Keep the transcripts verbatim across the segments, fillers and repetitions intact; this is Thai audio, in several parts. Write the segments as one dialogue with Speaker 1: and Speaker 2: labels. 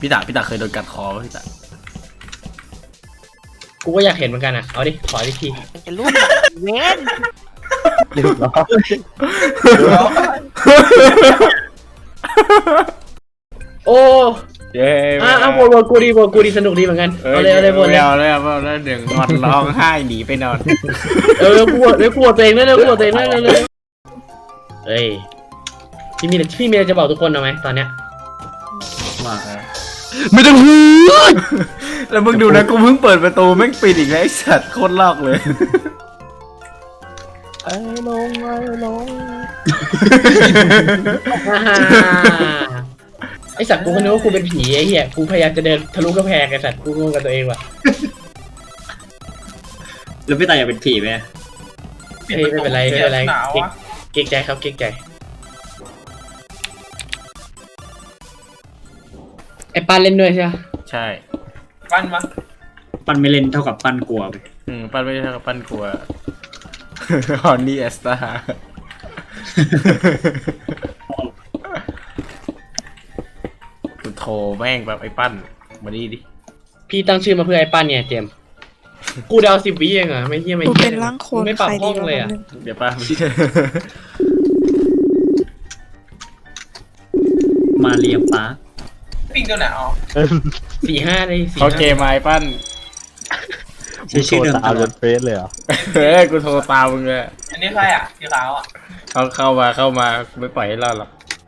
Speaker 1: พี่ตาพี่ตาเคยโดนกัดคอป่ะพี่ตา
Speaker 2: กูก็อยากเห็นเหมือนกันอ่ะเอาดิขอดิที
Speaker 3: มันจะรูปเว้น
Speaker 4: เรียบร้อย
Speaker 2: โอ้
Speaker 1: เย้
Speaker 2: อ่ะอ่ะวนวนกูดีวนกูดีสนุกดีเหมือนกันเอาเลยเอาเลยวนเลย
Speaker 1: เอาเลยเอาเลยเดี๋ยวงอนร้องไห้หนีไปนอน
Speaker 2: เออกูวนเลยกูวนตัวเองด้วยเลยกูวนตัวเองด้วยเลยเฮ้ยพี่มีพี่มีอะไรจะบอกทุกคนเอาไหมตอนเนี้ย
Speaker 4: ว่า
Speaker 1: ไม่ต้องพูดแล้วมึงดูนะกูเพิ่งเปิดประตูแม่งปิดอีกแล้วไอ้สัตว์โคตรลอกเลย
Speaker 4: ไอ้ลงไอ้ลง
Speaker 2: ไอสัตว์กูก็นึกว่ากูเป็นผีไอ้เหี้ยกูพยายามจะเดินทะลุกระแพงไอสัตว์กูงงกับตัวเองว่ะ
Speaker 4: แล้วพี่ตายอยากเป็นผีไหม
Speaker 2: เฮ้ยไม่เป็นไรไม่เป็นไรเก่งใจครับเก่งใจไอปานเล่นด้วยใช่ไหม
Speaker 1: ใช่
Speaker 5: ปั้นมา
Speaker 4: ปั้นไม่เล่นเท่ากับปั้นกลัวไป
Speaker 1: อืมปั้นไม่ใช่กับปั้นกลัวฮอนนี่แอสตากูโทรแม่งแบบไอ้ปั้นมาดีดิ
Speaker 2: พี่ตั้งชื่อมาเพื่อไอ้ปั้นเนี่ยเจมกูเดาสิบวิเองอะไม่เที่ยไม่
Speaker 3: กูเป็นร่างโคลน
Speaker 2: ไม่ปรับห้องเลยอะ
Speaker 1: เดี๋ยวป้า
Speaker 4: มาเรียมป้า
Speaker 5: ปิงตัวไหนอ๋อ
Speaker 2: สี่ห้าเลย
Speaker 1: โอเคไม้ปั้น
Speaker 4: ใช้ชื่อเดิมตลอด
Speaker 6: เฟซเลยเหรอ
Speaker 1: เฮ้ยกูโทรตามมึงเลย
Speaker 5: อันนี้ใครอ่ะสีขาวอ่ะ
Speaker 1: เขาเข้ามาเข้ามาไม่ปล่อยให้รอดหรอก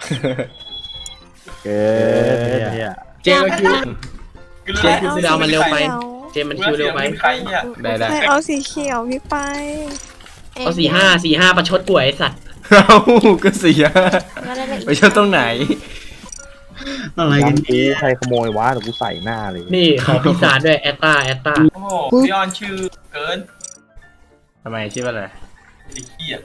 Speaker 6: เกินเนี่ย
Speaker 2: เจมคิวเจมคิวคือเอามันเร็วไปเจมมันคิวเร็วไป
Speaker 1: ได้ได้
Speaker 3: เอาสีเขียวพี่ไป
Speaker 2: เอาสี่ห้าสี่ห้าประชดป่วยไอสัตว์
Speaker 1: เอาก็เสียไปชดตรงไหน
Speaker 4: อะไรกัน
Speaker 6: เอ๊ะใครขโมยวะแต่กูใส่หน้าเลย
Speaker 2: นี่ขอพิซซ่าด้วยแอตตาแอตตา
Speaker 5: โอ้โหพี่ออนชื่อเกิน
Speaker 1: ทำไมชื่อว่าอะไร
Speaker 5: ไอ้เหี้ย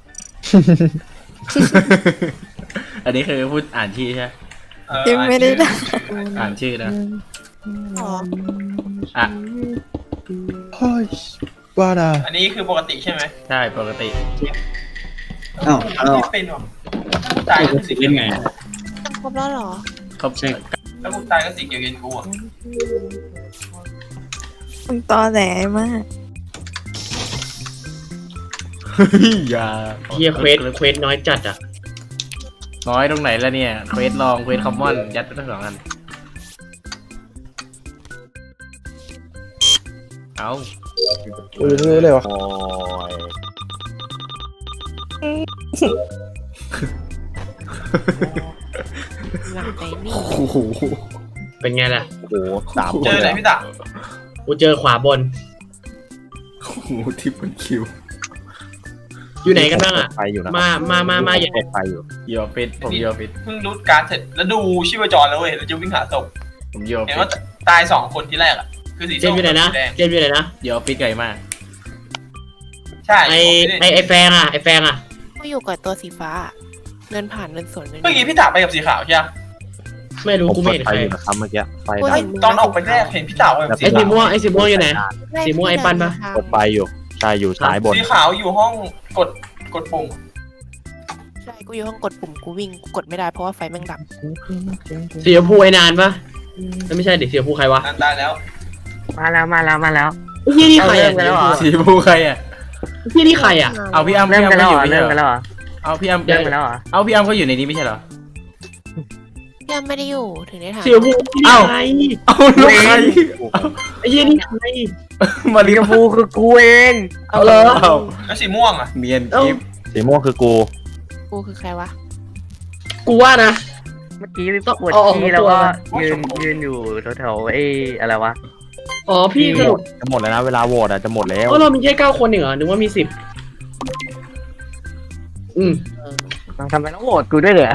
Speaker 1: อันนี้คือพูดอ่านชื่อใช่
Speaker 3: ยังไม่ได้
Speaker 1: อ่านชื่อนะ
Speaker 3: อ๋อ
Speaker 1: อ่ะ
Speaker 6: เฮ้ยว่าดา
Speaker 5: อันนี้คือปกติใช่ไหม
Speaker 1: ใช่ปกติ
Speaker 4: อ้าวอ้าว
Speaker 5: เป็นหรอตายก็สี
Speaker 4: เล่นไง
Speaker 3: ครบแล้วหรอ
Speaker 1: ครบใช่
Speaker 5: แล้วกูตายก็สีเขียวเย็นกูอ่ะ
Speaker 3: มึงตอแหลมาก
Speaker 1: อย่า
Speaker 2: เฮียเควสเควสน้อยจัดอ่ะ
Speaker 1: น้อยตรงไหนแล้วเนี่ยเควสลองเควสคอมมอนยัดไปทั้งสองอันเอา
Speaker 6: เออเลยวะ
Speaker 3: หลังใจนี่
Speaker 2: เป็นไงล่ะ
Speaker 6: โอ้โหสาม
Speaker 5: เจอไหนพี่ตา
Speaker 2: กูเจอขวาบน
Speaker 1: โอ้โหทิปเป็นคิว
Speaker 2: อยู่ไหนกันบ้างอ่ะ
Speaker 6: ไปอยู่นะ
Speaker 2: มามามามา
Speaker 6: อย่างไปอยู่
Speaker 1: ยอฟิตผมยอฟิต
Speaker 5: เพิ่งรูดการ์ดเสร็จแล้วดูชีพจรแล้วเว้ยแล้วจะวิ่งหาศพ
Speaker 1: ผมยอฟิต
Speaker 5: เห็นว่าตายสองคนที่แรกอ่ะคือสี
Speaker 2: เจมอยู่ไหนนะเจมอยู่ไหนนะ
Speaker 1: ยอฟิตไกลมาก
Speaker 5: ใช่
Speaker 2: ไอไอไอแฟงอ่ะไอแฟงอ่ะ
Speaker 3: กูอยู่กับตัวสีฟ้าเดินผ่านเดินสวนเ
Speaker 5: มื่อกี้พี่ตาไปกับสีขาวใช่ไหม
Speaker 2: ไม่รู้กูไม่เห็นใคร
Speaker 6: นะครับเมื่อกี้ไฟ
Speaker 5: ตอนออกไปแรกเห็นพี่ตาแบบ
Speaker 2: ไอสีม่วงไอสีม่วงอยู่ไหนสีม่วงไอปันปะ
Speaker 6: กดไฟอยู่ใช่อยู่ซ้ายบน
Speaker 5: สีขาวอยู่ห้องกดกดปุ่ม
Speaker 3: ใช่กูอยู่ห้องกดปุ่มกูวิ่งกดไม่ได้เพราะว่าไฟแม่งดับ
Speaker 2: สีชมพูไอนานปะไม่ใช่เด็กสีชมพูใครวะ
Speaker 5: นานได้แล้ว
Speaker 4: มาแล้วมาแล้วมาแล้ว
Speaker 2: นี่นี่ใครอ่ะ
Speaker 1: สีชมพูใครอ่ะ
Speaker 2: พี่นี่ใครอ่ะ
Speaker 1: เอาพี่อ้ำ
Speaker 4: เริ่มกันแล้วเริ่มกันแล้ว
Speaker 1: เอาพี่อ้ำ
Speaker 4: เริ่มกันแล้ว
Speaker 1: เอาพี่อ้ำก็อยู่ในนี้ไม่ใช่เหรอ
Speaker 3: ยังไม่ได้อยู่ถึงได้ถาม
Speaker 2: สีชมพู
Speaker 1: เอ้าเอาลูกใคร
Speaker 2: ไอ้ยี่นี่ใคร
Speaker 1: มาลิกาฟู
Speaker 4: คือกูเอง
Speaker 2: เอาเลย
Speaker 5: แล้วสีม่วงอ่ะ
Speaker 1: เนียนกิฟ
Speaker 6: สีม่วงคือกู
Speaker 3: กูคือใครวะ
Speaker 2: กูว่านะ
Speaker 4: เมื่อกี้ปวดที่แล้วก็ยืนยืนอยู่แถวๆไอ้อะไรวะ
Speaker 2: อ๋อพี่สรุป
Speaker 6: จะหมดแล้วนะเวลาโหวตอ่ะจะหมดแล้ว
Speaker 2: เออเรามีแค่เก้าคนเหรอนึกว่ามีสิบอืม
Speaker 4: ทำไมต้องโหวตกูด้วยเหรอ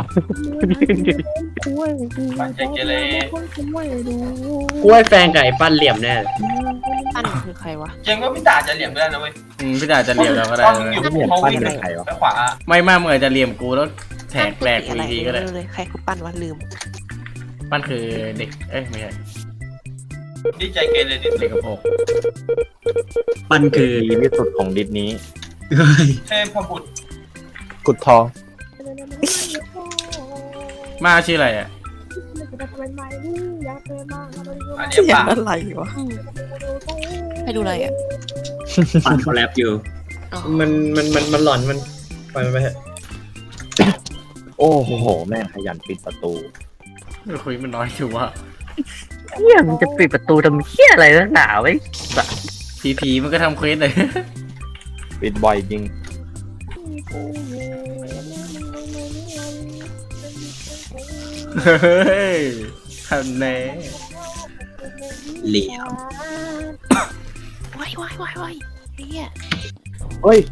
Speaker 5: ปันเจเกเร
Speaker 2: กูให้แฟนกับไอ้ปั้นเหลี่ยมแน่
Speaker 3: ปั้นคือใครวะ
Speaker 5: ยังก็พี่ตาจะเหลี่ยมได้นะเว้ย
Speaker 1: อืมพี่ตาจะเหลี่ยมเราก็ได้
Speaker 5: เลยอยู่ห้องวิ่งไปขวา
Speaker 1: ไม่มากเมื่อจะเหลี่ยมกูแล้วแทกแหลกกูทีก็ได้
Speaker 3: ใครคือปั้นวะลืม
Speaker 1: ปั้นคือเด็กเอ้ยไม่ใช่
Speaker 5: ดีใจเกเรดิ
Speaker 1: เด็กกระโปง
Speaker 4: ปั้นคือ
Speaker 6: ดีที่สุดของดิสนี้
Speaker 5: เทพบุตร
Speaker 6: กุดทอง
Speaker 1: มาชื่ออะไรอ่ะ
Speaker 5: อันนี้
Speaker 3: เสียง
Speaker 5: ป่ะ
Speaker 3: อะไรวะให้ดูอะไรอ่ะ
Speaker 7: ฟันเขาแรปอยู่
Speaker 2: มันมันมันมันหลอนมันปล่อยมันไปเถอะ
Speaker 6: โอ้โหแม่งขยันปิดประตู
Speaker 1: คุยมันน้อยอยู่ว่ะ
Speaker 4: เฮียมันจะปิดประตูทำเฮียอะไรนักหนาไว้
Speaker 1: ผีผีมันก็ทำเควสเลย
Speaker 6: ปิดบ่อยจริง
Speaker 1: เฮ้ยทำแน่
Speaker 7: เหลี่ยม
Speaker 3: วายวายวายวายเนี่ย
Speaker 6: เฮ้ย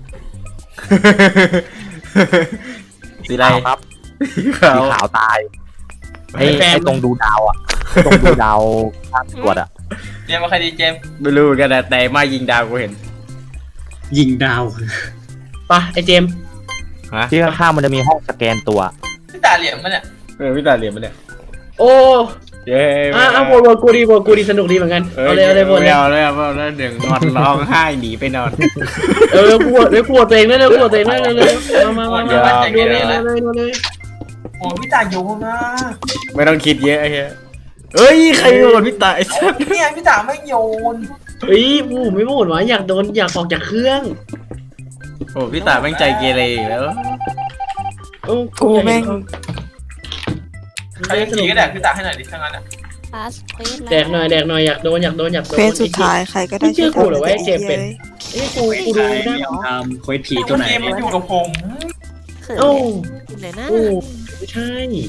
Speaker 1: สีอะไร
Speaker 6: ขาวครับ
Speaker 1: ขาว
Speaker 6: สีขาวตายไอ้ไอ้ตรงดูดาวอ่ะ ตรงดูดาวข้างตรวจอ่ะ
Speaker 5: เจมส์มาใครดีเจมส์
Speaker 1: ไม่รู้เหมือนกันนะแต่มายิงดาวกูเห็น
Speaker 7: ยิงดาว
Speaker 2: ปะไอเจมส์
Speaker 1: ฮะ
Speaker 6: ที่ข้างๆมันจะมีห้องสแกนตัว
Speaker 5: พี่ตาเหลี่ยมมันเนี่ย
Speaker 1: เออพี่ตาเหลี่ยมมันเนี่ย
Speaker 2: โอ้
Speaker 1: เย้
Speaker 2: อ่ะอ่ะโหวตโหวตกูดีโหวตกูดีสนุกดีเหมือนกันเอาเลยเอาเลยโหวตเลย
Speaker 1: เอาเลยเอาเลยเอาเลยเดี๋ยวงอนร้องไห้หนีไปนอน
Speaker 2: เออกูโหวตเลยกูโหวตตัวเองเลยเลยกูโหวตตัวเองเลยเลยเลยมามามา
Speaker 1: เดี๋ยว
Speaker 2: มาเลยเลยเลยเลยเลย
Speaker 5: โอ้พี่ตาโยนนะ
Speaker 1: ไม่ต้องคิดเยอะไอ้เหี้ยเอ้ยใครโดนพี่ตาไอ้สัส
Speaker 5: เนี่ยพี่ตาไม่โยน
Speaker 2: เฮ้ยกูไม่โหวตวะอยากโดนอยากออกจากเครื่อง
Speaker 1: โอ้พี่ตาแม่งใจเกเรอีกแล้ว
Speaker 2: โอ้
Speaker 3: กูแม่ง
Speaker 5: ใครขี่ก็แดกพี่ตาให้หน่อยดิถ้างั้นอ่ะ
Speaker 3: พาสเควส
Speaker 2: แดกหน่อยแดกหน่อยอยากโดนอยากโดนอยากโดน
Speaker 3: เควสสุดท้ายใครก็ได้
Speaker 2: ไม่เชื่อกูเหรอวะไอ้เจมส์เป็น
Speaker 3: เลย
Speaker 2: เอ้ยกูกูดูได้
Speaker 7: ตามเควสผีตัวไหน
Speaker 5: เกมมันอยู่กับผม
Speaker 3: เขิน
Speaker 2: โอ้
Speaker 3: เลยนะ
Speaker 2: โอ้ไม่ใช่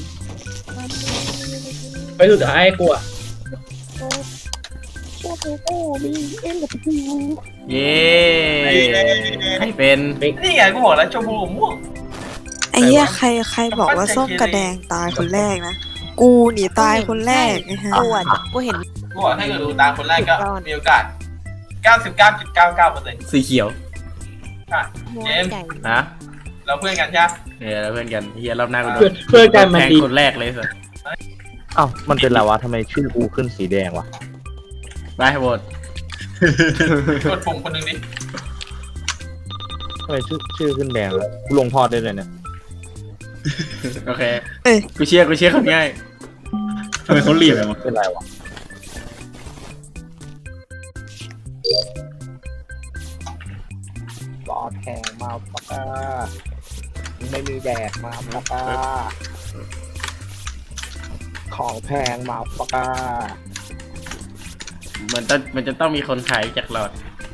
Speaker 2: ไปสุดท้ายกูอะ
Speaker 1: เย้ใครเป็น
Speaker 5: นี่ไงกูบอกแล้วชมพูม่วง
Speaker 3: ไอ้เหี้ยใครใครบอกว่าส้มกระแดงตายคนแรกนะ กูหนีตายคนแรกนะฮะกูกูเห็น
Speaker 5: กูบอกถ้าเกิดดูตามคนแรกก็มีโอกาส เก้าสิบเก้าจุดเก้าเก้าเปอร์เซ็นต์
Speaker 1: สีเขียว
Speaker 3: หัว
Speaker 5: เจมส์
Speaker 3: ไก่
Speaker 1: ฮะ
Speaker 5: เราเพื่อนกันใช่ไหม
Speaker 1: เนี่ยเราเพื่อนกันเฮียรอบหน้ากูโด
Speaker 2: เพื่อน เพื่อนกันมัน
Speaker 1: แทง
Speaker 2: ดี
Speaker 1: คนแรกเลยสิ
Speaker 6: อ้าวมันเป็นอะไรวะทำไมชื่อกูขึ้นสีแดงวะ
Speaker 1: ไปโหวต
Speaker 5: กดปุ่มคนหนึ่งดิ
Speaker 6: ทำไมชื่อชื่อขึ้นแดงวะกูลงทอดได้เลยเนี่ย
Speaker 1: โอเค
Speaker 3: เอ้ย
Speaker 1: กูเชื่อกูเชื่อคนง่าย
Speaker 7: ทำไมเขาเหลี่ยมวะ
Speaker 6: เป็นไรวะรอแทงมาปากกาไม่มีแดกมาปากกาของแพงมาปากกา
Speaker 1: มันต้องมันจะต้องมีคนขายจากหลอด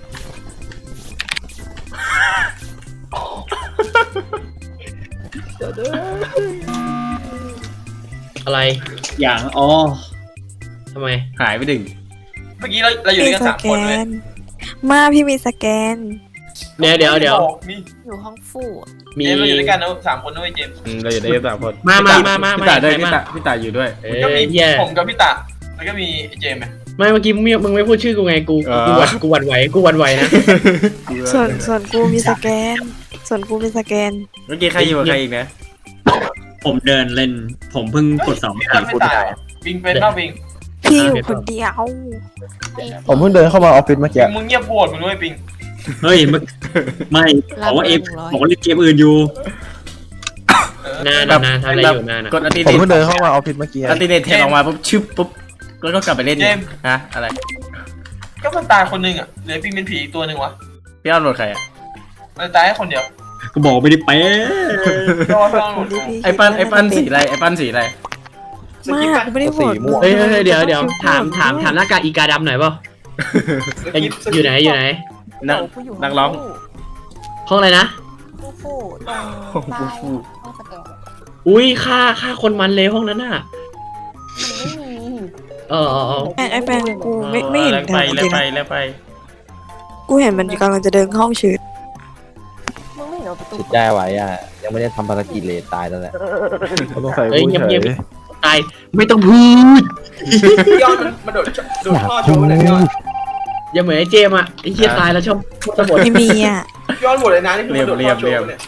Speaker 2: อะไร
Speaker 7: อย่างอ๋อ
Speaker 2: ทำไม
Speaker 1: หายไปดึง
Speaker 5: เมื่อกี้เราเราอยู่ด้วยกัน
Speaker 3: ส
Speaker 5: สาม
Speaker 3: แก
Speaker 5: คนเลย
Speaker 3: น มาพี่มีสแกน
Speaker 2: เดี๋ยวเดี๋ยวเดี๋ยว
Speaker 5: นี่
Speaker 3: อยู่ห้องฟู่อะ
Speaker 2: มี
Speaker 5: เจมส์เราอยู่ด้วยกันนะสามคนด้วยเจมส์
Speaker 1: อืมเราอยู่ได้แค่สามคน
Speaker 2: มามามามา
Speaker 1: พี่ตาด้วย
Speaker 2: มา
Speaker 1: พี่ตาพี่ตาอยู่ด้วย
Speaker 2: เอ
Speaker 5: ก็
Speaker 2: อ
Speaker 5: มี
Speaker 2: เหี้ย
Speaker 5: ผมกับพี่ตาแล้วก็มีเจมส์ไหม
Speaker 2: ไม่เมื่อกี้มึงมึงไม่พูดชื่อกูไงกู
Speaker 1: อ๋อ
Speaker 2: กูหวั่นกูหวั่นไหวกูหวั่นไหวนะ
Speaker 3: ส่วนส่วนกูมีสแกน ส่วนกูมีสแกน
Speaker 1: เมื่อกี้ใครอยู่กับใครอีกนะ
Speaker 7: ผมเดินเล่น ผมเพิ่งกดสอง
Speaker 5: พี่
Speaker 7: ค
Speaker 5: ตา
Speaker 7: รั้ง
Speaker 5: ไม่ตายวิงเป็นป่ะวิง
Speaker 3: พี่อยู่คนเดียว
Speaker 8: ผมเพิ่งเดินเข้ามาออฟฟิศเมื่อกี้
Speaker 5: มึงเงียบโหวตมึงด้วยปิง
Speaker 7: เฮ้ยมันไม่บอกว่าเอฟบอกว่าเล่นเกมอื่นอยู่
Speaker 2: นานนานทำอะไรอยู่นานอะ
Speaker 1: กดอัลติ
Speaker 8: ผม
Speaker 1: เนต
Speaker 8: เพิ่งเดินเข้ามาออฟฟิศเมื่อกี้
Speaker 1: อัลติเนตแทงออกมาปุ๊บชึบปุ๊บแล้วก็กลับไปเล่นอีกฮะอะไร
Speaker 5: ก็มันตายคนหนึ่งอ่ะเหลือปิงเป็นผีอีกตัวหนึ่งวะ
Speaker 1: พี่อ้อนโหวตใครอ่ะ
Speaker 5: มันตายแค่คนเดียว
Speaker 7: ก็บอกไม่ได้เป๊ะ
Speaker 5: รอรอหลุด
Speaker 1: ไอ้ปั้นไอ้ปั้นสีอะไรไอ้ปั้นสีอะไร
Speaker 3: มากกูไม่ได้โหวตมึง
Speaker 2: เฮ้ยเฮ้ยเฮ้ยเดี๋ยวเดี๋ยวถามถามถามหน้ากากอีกาดำหน่อยเปล่าเอ้ยอยู่ไหนอยู่ไหน
Speaker 1: นัก
Speaker 3: กูอยู่
Speaker 1: นักร้อง
Speaker 2: ห้องอะไรนะ
Speaker 3: ฟู่ฟู่ตรง
Speaker 1: โอ้โห
Speaker 3: ใต้ห้องสแกน
Speaker 2: อุ้ยฆ่าฆ่าคนมันเลยห้องนั้นน่ะ
Speaker 3: มันไม่มี
Speaker 2: เออเออเออ
Speaker 3: ไอ้ไอ้แฟนกูไม่ไม่เห็น
Speaker 1: แล้ว
Speaker 3: เดิ
Speaker 1: ไป
Speaker 3: นจ
Speaker 1: แล้ว
Speaker 3: ริง
Speaker 1: ไป
Speaker 3: ๆ
Speaker 1: แล้วไป
Speaker 3: กูเห็นมันกำลังจะเดินเข้าห้องชืดมึงไม่เห็นเอาประตู
Speaker 6: จิตได้ไว้อ่ะ ยังไม่ได้ทำภารกิจเลยตายแล้วแหละ
Speaker 8: เขาต้องใส่
Speaker 2: เฮ้ย
Speaker 8: กู
Speaker 2: เงียบ
Speaker 8: เฉ
Speaker 2: เงียบ
Speaker 8: ย
Speaker 2: ตายไม่ต้องพูด
Speaker 5: ย้อนมันมาโดดโดดท่อโชว์เลยย้อน
Speaker 2: อย่าเหมือนไอ้เจมส์อ่ะไอ้เฮียตายแล้วชอบพูดตะบด
Speaker 3: ไม่มีอ่ะ
Speaker 5: ย้อนหมดเลยนะนี่คือมาโดดท่อโชว์เนี่ย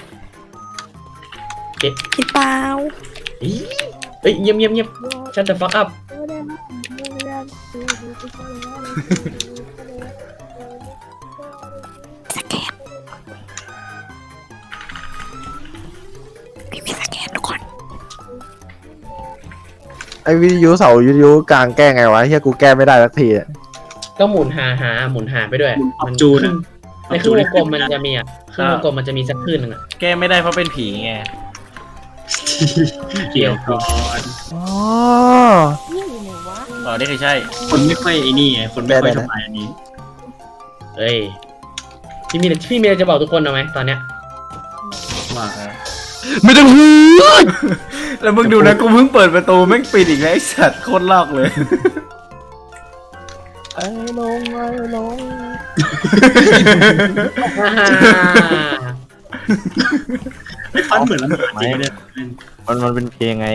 Speaker 3: คิดเปล่า
Speaker 2: เฮ้ยเงียบเงียบเงียบชัดแต่ฟักอัพ
Speaker 3: สแกนพี่มีสแกนทุกคน
Speaker 8: ไอวิทยุเสาวิทยุกลางแก้ไงวะเฮียกูแก้ไม่ได้สักทีอะ
Speaker 2: ก็หมุนหาหาหมุนหาไปด้วย
Speaker 7: ปรับจูน
Speaker 2: ขึ้น
Speaker 7: อะ
Speaker 2: ในครึ่งวงกลมมันจะมีอ่ะครึ่งวงกลมมันจะมีสักคลื่นหนึงอ่ะ
Speaker 1: แก้ไม่ได้เพราะเป็นผีไง
Speaker 7: เกี่ยวก่อน
Speaker 8: อ๋อ
Speaker 1: อ๋อนี่คือใช่
Speaker 7: คนไม่ค่อยไอ้นี่ไงคนไม่ค่อยทำลายอันนี้
Speaker 2: เอ้ยพี่มีพี่มีอะไรจะบอกทุกคนเอาไหมตอนเนี้ย
Speaker 7: ว่า
Speaker 1: ไม่ต้องพูดแล้วมึงดูนะกูเพิ่งเปิดประตูแม่งปิดอีกแล้วไอ้สัตว์โคตรลอกเลย
Speaker 8: ไอ้ลงไอ้ลง
Speaker 7: ไอ้ปั้นเหมือนลำบากจริงเลย
Speaker 6: มันมันเป็นเพลงไง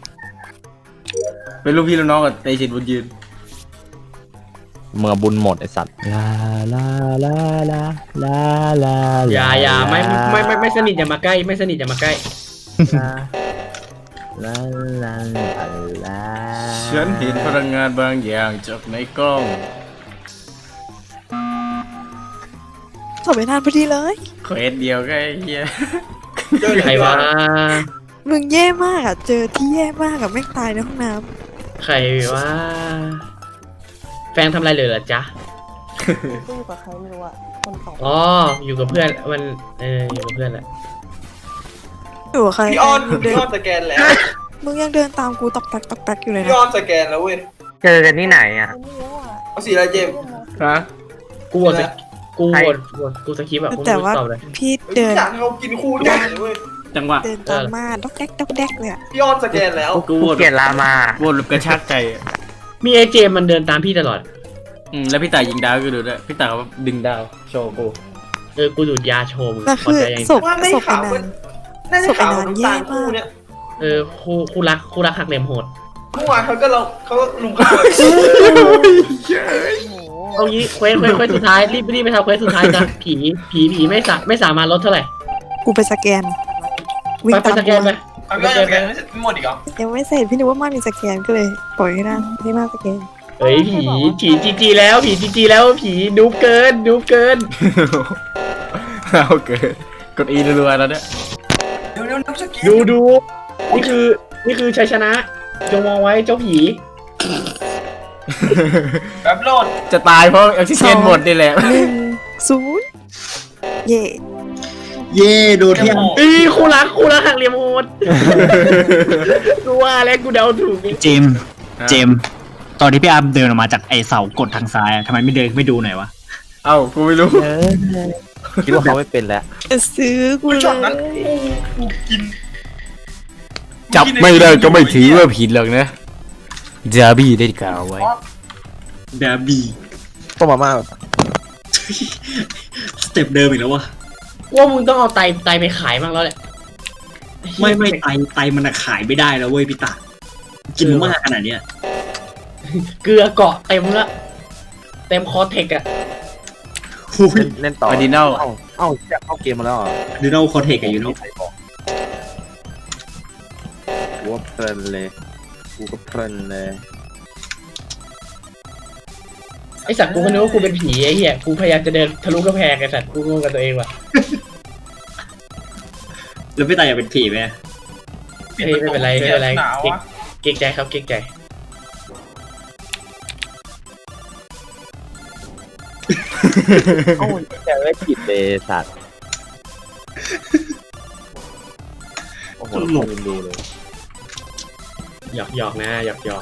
Speaker 1: เป็นลูกพี่ลูกน้องกับเตชินบุญยืน
Speaker 6: เมื่อบุญหมดไอสัตว์ลาลาลาลาลาลา
Speaker 2: อย่าอย่าไม่ไม่ไม่ไม่สนิทอย่ามาใกล้ไม่สนิทอย่ามาใกล้
Speaker 6: ลาลาลาลา
Speaker 1: ฉันเห็นพลังงานบางอย่างจากในกล้อง
Speaker 3: สอบไปนานพอดีเลย
Speaker 1: เควสเดียวก็ไอ้เหี้ย
Speaker 2: ใครวะ
Speaker 3: มึงแย่มากอ่ะ เจอที่แย่มากอ่ะแม่งตายในห้องน้
Speaker 2: ใครวะแฟนทำอะไรเลยเหรอจ๊ะ
Speaker 9: ก็อยู่กับใครไม่รู้อะคนสอง
Speaker 2: อ๋ออยู่กับเพื่อนมันเอออยู่กับเพื่อนแหละ
Speaker 3: ำอยู่กับใคร
Speaker 5: พี่อ้อน
Speaker 3: มึงเดิ
Speaker 5: พี่
Speaker 3: น
Speaker 5: อ้อนสแกนแล้ว
Speaker 3: มึงยังเดินตามกูตอกแตกตอกแตกอยู่เลย
Speaker 5: พี่
Speaker 3: นะ
Speaker 5: อ้อนสแกนแล้วเว้ย
Speaker 4: เจอกันที่ไหนอ่ะ
Speaker 9: ไม่รู้อะ
Speaker 5: เอาสีอะไรเจมส์
Speaker 1: ฮะ
Speaker 2: กูโหวตสกูโหวตโหวตกูสคริปต์แบบกู
Speaker 3: แต่
Speaker 2: ไม่
Speaker 3: ว่า
Speaker 2: ตอบเลย
Speaker 3: พี่เดิน
Speaker 5: อยากให้เขากินคู่กันเลยเว้ย
Speaker 1: จังหวะ
Speaker 3: เดินตามมาดอกแดกดอกแดกเลยอ่ะ
Speaker 5: พี่อ้อนสแกนแล้ว
Speaker 1: กูโหวต
Speaker 4: เกลียดรามา
Speaker 1: โหวตแบบกระชากใจอะ
Speaker 2: มีไอเจมมันเดินตามพี่ตลอด
Speaker 1: อืมแล้วพี่ต่ายยิงดาวก็ดูด้วยพี่ต่ายก็ดึงดาวโชว์กู
Speaker 2: เออกูดูดยาโชว์มึง
Speaker 3: แล้ว
Speaker 2: พอ
Speaker 3: คือ
Speaker 2: ใจยัง
Speaker 3: ศพ
Speaker 5: ว่าไม่
Speaker 3: ศพไป
Speaker 5: ขาว
Speaker 3: นา
Speaker 5: มัน
Speaker 3: น
Speaker 5: น่าจะขาวน้ำตาลคู่เนี่ย
Speaker 2: เออคู่คู่รักคู่รักหักเหลี่ยมโหด
Speaker 5: เมื่อวานเขาก็เราเขาลุมเขา
Speaker 2: เอางี้เควสเควสเควสสุดท้ายรีบรีบไปทำเควสสุดท้ายนะผีผีผีไม่สาไม่สามารถลดเท่าไหร่
Speaker 3: กูไปสแกน วิ่ง
Speaker 2: ไปไป
Speaker 3: ตาม
Speaker 2: สแกนไป
Speaker 5: เอาพี่อ้อนสแกนไม่หมดอีกเหรอ
Speaker 3: ยังไม่เสร็จพี่นึกว่ามามีสแกนก็เลย ปล่อยให้ได้ให้มาสแกน
Speaker 2: เฮ้ยผีผีจีจีแล้วผีจีจีแล้วผีดูเกินดูเกิน
Speaker 1: เอาเกิดกดอีรัวๆแล้วเนี่ย
Speaker 5: เดี๋ยวเดี๋ยวน้ำสแกน
Speaker 2: ดูดูนี่คือนี่คือชัยชนะจงมองไว้เจ้าผี
Speaker 5: แบบโหลด
Speaker 1: จะตายเพราะออกซิเจนหมดนี่แหละ
Speaker 3: หนึ่งศูนย์เย่
Speaker 7: เย่โดนเที่ยง
Speaker 2: อีคู่รักคู่รักหักเหลี่ยมโหดกูว่าแล้วกูเดาถูกนี่
Speaker 7: เจมส์เจมส์ตอนที่พี่อาร์มเดินออกมาจากไอเสากดทางซ้ายอะทำไมไม่เดินไม่ดูหน่อยวะ
Speaker 1: เอ้ากูไม่รู้
Speaker 6: เออคิดว่าเขาไม่เป็นแล้ว
Speaker 3: จะซื้อกูเล
Speaker 5: ช็อตนั้น
Speaker 3: ย
Speaker 5: กูกิน
Speaker 1: จับไม่ได้ก็ไม่ถือว่าผิดหรอกนะจาบี้ได้กล่าวไว้
Speaker 7: ดาบี
Speaker 8: ต้มมาม่า
Speaker 7: สเต็ปเดิมอีกแล้ววะ
Speaker 2: ว่ามึงต้องเอาไตไตไปขายบ้างแล้วแหละ
Speaker 7: ไม่ไม่ไตไตมันอะขายไม่ได้แล้วเว้ยพี่ตากินมากขนาดเนี้ย
Speaker 2: เกลือเกาะเต็มละเต็มคอเทคอะ
Speaker 7: หุ้ย
Speaker 8: เล่นเล่นต่อ
Speaker 1: ออร์ดินัล
Speaker 8: เอ้าเอ้าจะเข้าเกมมาแล้วเหรอ
Speaker 7: ดูโน่คอเทคอะอยู่โน่
Speaker 8: กูว่าเพลินเลยกูก็เพลินเลย
Speaker 2: ไอสัตว์กูก็นึกว่ากูเป็นผีไอ้เหี้ยกูพยายามจะเดินทะลุกระแพงไอสัตว์กูงงกับตัวเองว่ะ
Speaker 7: แล้วพี่ตาอยากเป็นผีไหม
Speaker 2: เฮ้ยไม่เป็นไรไม่เป็นไร
Speaker 5: หนาว
Speaker 2: เก่ง
Speaker 5: อะ
Speaker 2: เก่งใจครับเก่งใจ
Speaker 6: เอ้าจะไม่ผิดเลยสัตว์โอ้โหลืมดูเลย
Speaker 2: หยอกหยอกนะหยอกหยอก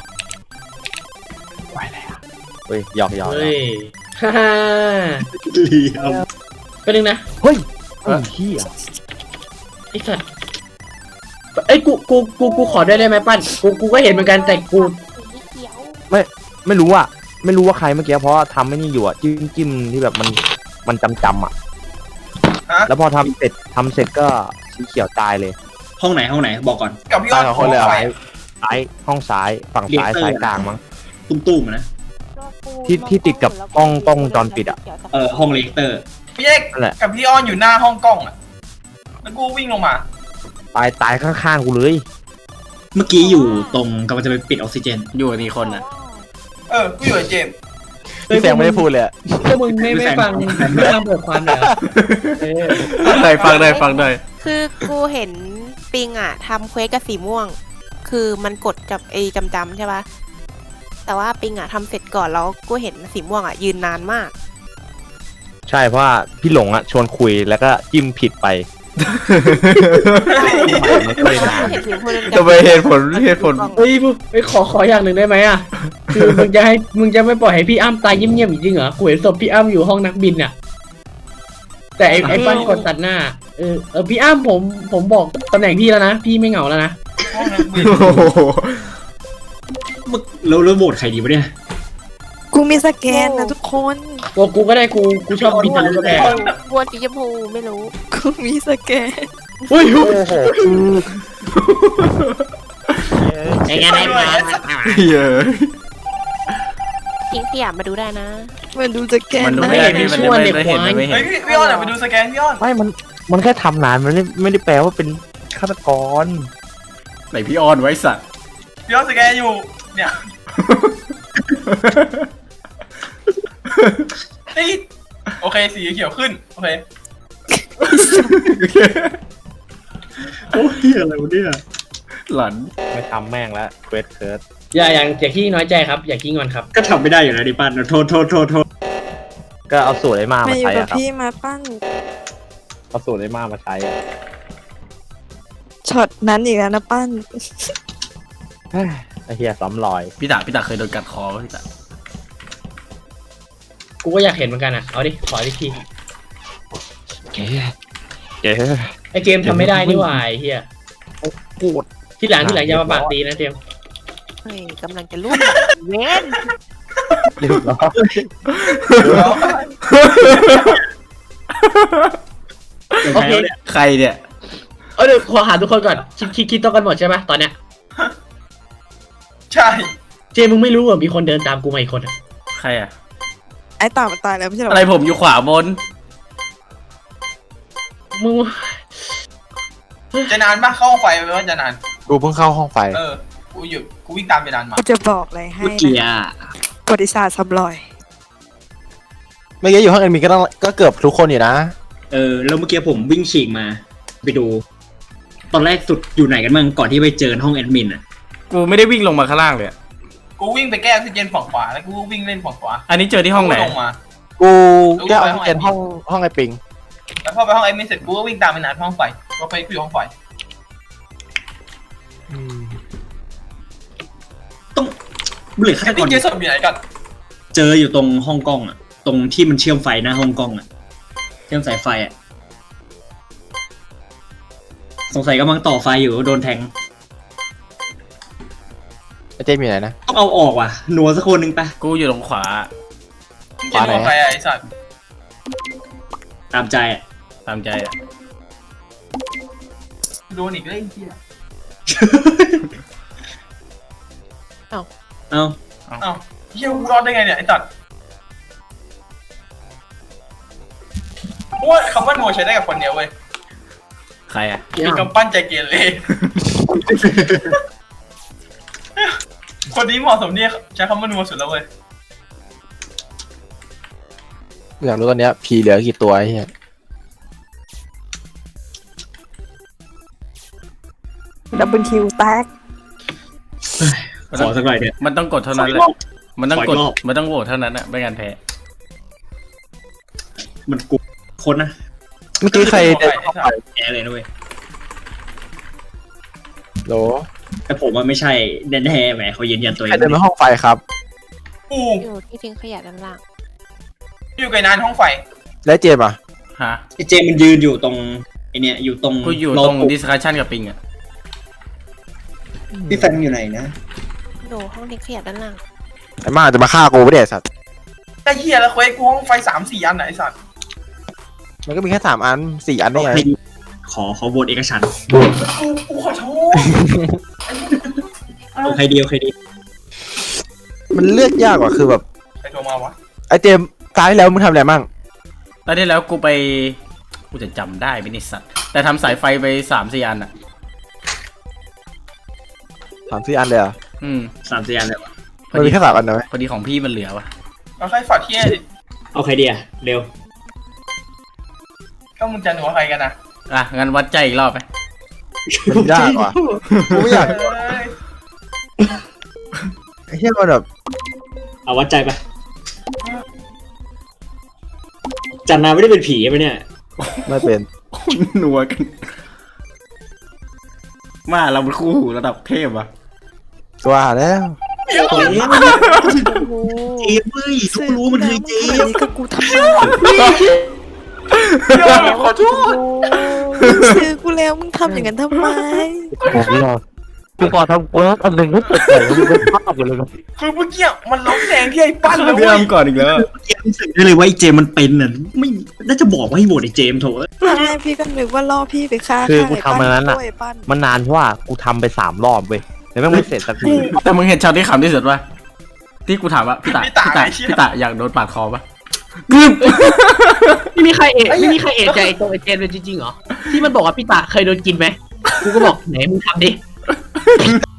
Speaker 6: เฮ้ยหยอกหยอก
Speaker 2: เฮ้ยฮ่าฮ่า
Speaker 7: เหลี่ยม
Speaker 2: ก็นึงนะ
Speaker 6: เฮ้ยไอ้เหี้ย
Speaker 2: ไอสัตว์เอ้ยกูกูกูกูขอด้วยได้ไหมปั้นกูกูก็เห็นเหมือนกันแต่กู
Speaker 9: สีเขียว
Speaker 6: ไม่รู้อ่ะไม่รู้ว่าใครเมื่อกี้เพราะว่าทำไม่นี่อยู่อ่ะจิ้มจิ้มที่แบบมันมันจำจำอ่ะ
Speaker 5: ฮะ
Speaker 6: แล้วพอทำเสร็จทำเสร็จก็สีเขียวตายเลย
Speaker 7: ห้องไหนห้องไหนบอกก่อน
Speaker 5: กับพี่อ้
Speaker 8: ตา
Speaker 5: อย น
Speaker 8: สองคนเลยเหรอ
Speaker 5: ไฟ
Speaker 6: ซ้ายห้องซ้ายฝั่งซ้าย
Speaker 7: เรียกเตอร์
Speaker 6: ซ้ายกลางมั้ง
Speaker 7: ตุ้มๆอะนะ
Speaker 6: ที่ที่ติดกับกล้องกล้องวงจรปิดอะ
Speaker 7: เออห้องเลกเตอร์
Speaker 5: พี่เอก
Speaker 6: นั่นแหละ
Speaker 5: กับพี่อ้อนอยู่หน้าห้องกล้องอ่ะแล้วกูวิ่งลงมา
Speaker 6: ตายตายข้างๆกูเลย
Speaker 7: เมื่อกี้อยู่ตรงกำลังจะไปปิดออกซิเจน
Speaker 1: อยู่กับนี่คนน่ะ
Speaker 5: เออกูอยู่กับเจมส์
Speaker 8: พี่แซงไม่ได้พูดเลยอะ
Speaker 2: พวกมึงไม่ไม่ฟังไม่ฟังเปิดความเลยเหรอเออ
Speaker 1: ได้ฟังได้ฟังได้
Speaker 9: คือกูเห็นปิงอะทำเควสกับสีม่วงคือมันกดกับไอ้จำจำใช่ปะแต่ว่าปิงอะทำเสร็จก่อนแล้วกูเห็นสีม่วงอะยืนนานมาก
Speaker 6: ใช่เพราะว่าพี่หลงอ่ะชวนคุยแล้วก็จิ้มผิดไปไม่เคยนาน
Speaker 9: เห็นสีม่วงเดิน
Speaker 1: ทำไมเหตุผลเหตุผล
Speaker 2: เฮ้ยพูเฮ้ยขอขออย่างหนึ่งได้ไหมอ่ะ คือมึงจะให้มึงจะไม่ปล่อยให้พี่อ้ำตายเงียบๆจริงเหรอกูเห็นศพพี่อ้ำอยู่ห้องนักบินอ่ะ แต่ไอ้ไอ้ปั้นกดตัดหน้า เออเออพี่อ้ำผมผมบอกตำแหน่งพี่แล้วนะ พี่ไม่เหงาแล้วนะ
Speaker 5: ห้องนักบิน
Speaker 1: โอ้โห
Speaker 7: มึงแล้วแล้วโหวตใครดีวะเนี่ย
Speaker 3: กูมีสแกนนะทุกคน
Speaker 2: ตัวกูก็ได้กูกูชอบบินทะลุกระแพง
Speaker 9: บัวสีชมพูไม่รู้
Speaker 3: กูมีสแกน
Speaker 2: เฮ้ย
Speaker 6: โอ้โห
Speaker 2: ไอ้ไงไอ้มา
Speaker 1: เยอะ
Speaker 9: ทิ้งขยะมาดูได้นะ
Speaker 3: มาดูสแกน
Speaker 1: มันดู
Speaker 3: นะ
Speaker 1: ไม่ได้พี่มันไม่ได้เห็นมันไม่เห็
Speaker 5: เฮ้ย
Speaker 1: น
Speaker 5: พี่พี่อ้อนอะไปดูสแกนพี่อ้อน
Speaker 6: ไม่มันมันแค่ทำนานมันไม่ไม่ได้แปลว่าเป็นฆาตกร
Speaker 1: ไหนพี่ออนไว้สัตว์
Speaker 5: พี่อ้อนสแกนอยู่เนี่ยเฮ้ยโอเคสีเขียวขึ้นโอเค
Speaker 7: โอ้ยอะไรวะเนี่ย
Speaker 1: หลัน
Speaker 6: ไม่ทำแม่งแล้วเควสเคิร์ด
Speaker 2: อย่าอย่างอย่าขี้น้อยใจครับ อย่าขี้งอนครับ
Speaker 7: ก็ทำไม่ได้อยู่นะดิปันโทษโทษโทษโทษ
Speaker 6: ก็เอาสูตรไอ้มา
Speaker 3: มา
Speaker 6: มา
Speaker 3: อยู่
Speaker 6: ใช้
Speaker 3: กับ
Speaker 6: อะครับ
Speaker 3: พี่มาปั้น
Speaker 6: เอาสูตรไอ้มามาใช้อะ
Speaker 3: ช็อตนั้นอีกแล้วนะปั้น
Speaker 6: เฮ้ยไอ้เหี้ยซ้ำรอย
Speaker 1: พี่ตาพี่ตาเคยโดนกัดคอปะพี่ตา
Speaker 2: กูก็อยากเห็นเหมือนกันอ่ะ เอาดิ ขอดิที
Speaker 6: เก๋เก๋
Speaker 2: ไอเจมส์ทำไม่ได้นี่หว่าไอ้เฮีย
Speaker 6: กูด
Speaker 2: ที่หลังที่หลังอย่ามาปากดีนะเจมส์
Speaker 9: เฮ้ยกำลังจะรุ่นเว้น
Speaker 6: เรียบร้อย
Speaker 2: โอเค
Speaker 1: ใครเนี่ย
Speaker 2: เอาเดี๋ยวขอหาทุกคนก่อน คิดคิดคิดต้องกันหมดใช่ไหมตอนเนี้ย
Speaker 5: ใช่
Speaker 2: เจมส์มึงไม่รู้เหรอมีคนเดินตามกูมาอีกคนอ่ะ
Speaker 1: ใครอะ
Speaker 3: ไอ้ต่ามันตายแล้วไม่ใช่เหรอ
Speaker 1: อะไรผมอยู่ขวาบน
Speaker 2: มึง
Speaker 5: จะนานปะเข้าห้องไฟไปว่าจะนาน
Speaker 6: กูเพิ่งเข้าห้องไฟ
Speaker 5: เออกูอยู่กูวิ่งตามไปนานมา
Speaker 3: กูจะบอกอะไรให้
Speaker 7: เมื่อกี้
Speaker 3: นะ
Speaker 7: อ่ะ
Speaker 3: ประวัติศาสตร์ซ้ำรอย
Speaker 6: เมื่อกี้อยู่ห้องแอดมินก็ต้องก็เกือบทุกคนอยู่นะ
Speaker 7: เออแล้วเมื่อกี้ผมวิ่งฉีกมา ไปดู ตอนแรกสุดอยู่ไหนกันบ้างก่อนที่ไปเจอห้องแอดมินอ่ะ
Speaker 1: กูไม่ได้วิ่งลงมาข้างล่างเลยอะ
Speaker 5: กูวิ่งไปแก้ออกซิเจนฝั่งขวาแล้วกูก็วิ่งเล่นฝั่งขวา
Speaker 1: อันนี้เจอที่ห้องไหน
Speaker 5: กูลงมา
Speaker 6: กูแก้ออกซิเจนห้องห้องไอ้ปิง
Speaker 5: แล้วพอไปห้องไอ้มินเสร็จกูก็วิ่งตามไปนานห้องไฟก็ไปกูอยู่ห้องไฟ
Speaker 7: ต้องเหลือฆา
Speaker 5: ไอ้
Speaker 7: ตก
Speaker 5: ที่
Speaker 7: ร
Speaker 5: เจอศพอยู่ไหนกัน
Speaker 7: เจออยู่ตรงห้องกล้องอ่ะ ตรงที่มันเชื่อมไฟหน้าห้องกล้องอ่ะ เชื่อมสายไฟอ่ะ สงสัยกำลังต่อไฟอยู่โดนแทง
Speaker 6: ไอ้เจมอยู่ไหนนะ
Speaker 7: ต้องเอาออกว่ะหนัวสักคนหนึ่งปะ
Speaker 1: กูอยู่ตรงขวา
Speaker 5: เจอห้องไฟอะไอ้สัตว์
Speaker 7: ตามใจอ่ะ
Speaker 1: ตามใจอะ
Speaker 5: โดนอีกเลยไอ้เหี้ย
Speaker 7: เอา
Speaker 5: เอ้าเหี้ยกูรอดได้ไงเนี่ยไอ้สัตว์เพราะว่าคำว่านัวใช้ได้กับคนเดียวเว้ย
Speaker 1: ใครอะ
Speaker 5: มีกำปั้นใจเกเรคนนี้เหมาะสมเนี่ยใช้คำว่านัวสุดแล้วเว้ย
Speaker 6: อยากรู้ตอนเนี้ยผีเหลือกี่ตัวไอ้เหี้ย
Speaker 3: ดับเบิลคิวแตก
Speaker 7: ขอสักหน่อยเถอะ
Speaker 1: มันต้องกดเท่านั้นแหละมันต้องกด
Speaker 7: ขออีกรอบ
Speaker 1: มันต้องโหวตเท่านั้นอะไม่งั้นแพ้
Speaker 7: มันกุคนนะ
Speaker 6: เมื่อกี้ใครเดิน
Speaker 5: ไอ้สัตว์
Speaker 7: แกเลยนะเว้ย
Speaker 6: โหล
Speaker 7: แต่ผมว่าไม่ใช่แน่ๆแหมเขายืนยันตัวเอ
Speaker 6: ใครง เดินมาห้องไฟครับ
Speaker 5: กู
Speaker 9: อยู่ที่ทิ้งขยะด้านล่าง
Speaker 5: อยู่ไกลนานห้องไฟ
Speaker 6: แล้วเจมอ่ะ
Speaker 1: ฮะ
Speaker 7: ไอ้เจมมันยืนอยู่ตรงไอเนี้ยอยู่ตรง
Speaker 1: กูอยู่
Speaker 7: โล
Speaker 1: ตรง
Speaker 7: กุ
Speaker 1: ดิสคัชชันกับปิงอะ
Speaker 7: พี่แฟงอยู่ไหนนะ
Speaker 9: ดูห้องทิ้งขยะด้านล่าง
Speaker 6: ไอ้มาจะมาฆ่ากูไม่ได้ไอ้สัตว์
Speaker 5: ไอ้เหี้ยแล้วเควสกูห้องไฟสามสี่อันไหนไอ้สัตว์
Speaker 6: มันก็มีแค่สามอันสี่อันได้ไง
Speaker 7: ให้ขอขอโหวตเอกฉันท์
Speaker 5: กูกูขอโทษ
Speaker 7: เอาใครเดียวใครดี
Speaker 6: มันเลือกยากกว่าคือแบบ
Speaker 5: ใครโทรมาวะ
Speaker 6: ไอ้เจมตายแล้วมึงทำอะไรมั่ง
Speaker 1: ตอนที่แล้วกูไปกูจะจำได้ไหมนี่สัตว์แต่ทำสายไฟไปสามสี่อันอะ
Speaker 6: สามสี่อันเลยเหรอ่ะ
Speaker 1: อืม
Speaker 7: สามสี่อันเลยวะ
Speaker 1: พ
Speaker 6: มั
Speaker 1: อน ดี
Speaker 6: มีแค่สามอันนะไหม
Speaker 1: พอดีของพี่มันเหลือวะ
Speaker 5: เอาใครฝอดเที่ยดิ
Speaker 7: เอาใครดีอะเร็ว
Speaker 5: ก็มึงจะหนัวใครกันนะ
Speaker 1: อ่ะงั้นวัดใจอีกรอบไหม
Speaker 6: มันยากว่ะกูไม่อยาก
Speaker 5: เอ้ย
Speaker 8: เฮียมันแบบ
Speaker 7: เอาวัดใจไปจันนาไม่ได้เป็นผีใช่ไหมเนี่ย
Speaker 8: ไม่เป็น
Speaker 1: นัวกันมาเราเป็นคู่หูระดับเทพอะ
Speaker 8: ว่าแล้ว
Speaker 7: เจมเว้ยทุกรู้มันคือเจ
Speaker 3: อัน
Speaker 7: ม
Speaker 3: นี้ก็กูทำไม
Speaker 1: ขอโทษ
Speaker 3: ซื้อกูแล้วมึงทำอย่างนั้นทำไม
Speaker 6: ผมรอกูพอทำกูแล้วอันหนึ่งก็เกิดใจกูเป็นภาพอยู่เลยนะ
Speaker 5: คือเมื่อกี้มันล้มแดงที่ไอ้ปั้นเลย
Speaker 1: พี่
Speaker 5: เว้
Speaker 1: อ้าย ก่อนอีกแล้ว
Speaker 7: เจมรู้สึกได้เลยว่าไอ้เจมมันเป็นน่ะไม่น่าจะบอกว่าให้โหวตไอ้เจมโถ
Speaker 3: ตอนแรกพี่ก็นึกว่าล่อพี่ไปฆ่า
Speaker 6: คือ
Speaker 3: ฆ่า
Speaker 6: กู
Speaker 3: ไอ้
Speaker 6: ทำ
Speaker 3: ปั้
Speaker 6: อันนั้น
Speaker 3: น
Speaker 6: อ่ะ
Speaker 3: โอ้ยปั้น
Speaker 6: มันนานเพราะว่ากูทำไปสามรอบเว้ยแต่แม่งไม่เสร็จสักที
Speaker 1: แต่มึงเห็นช็อตที่ขำที่สุดป่ะที่กูถามว่าพี่ตาพี่ตาพี่ตาอยากโดนปาดคอป่ะกึบ
Speaker 2: ไม่มีใครเอะไม่มีใครเอะใจตัวไอเจนเลยจริงๆเหรอที่มันบอกว่าพี่ตาเคยโดนกินไหมกูก็บอกไหนมึงทำดิ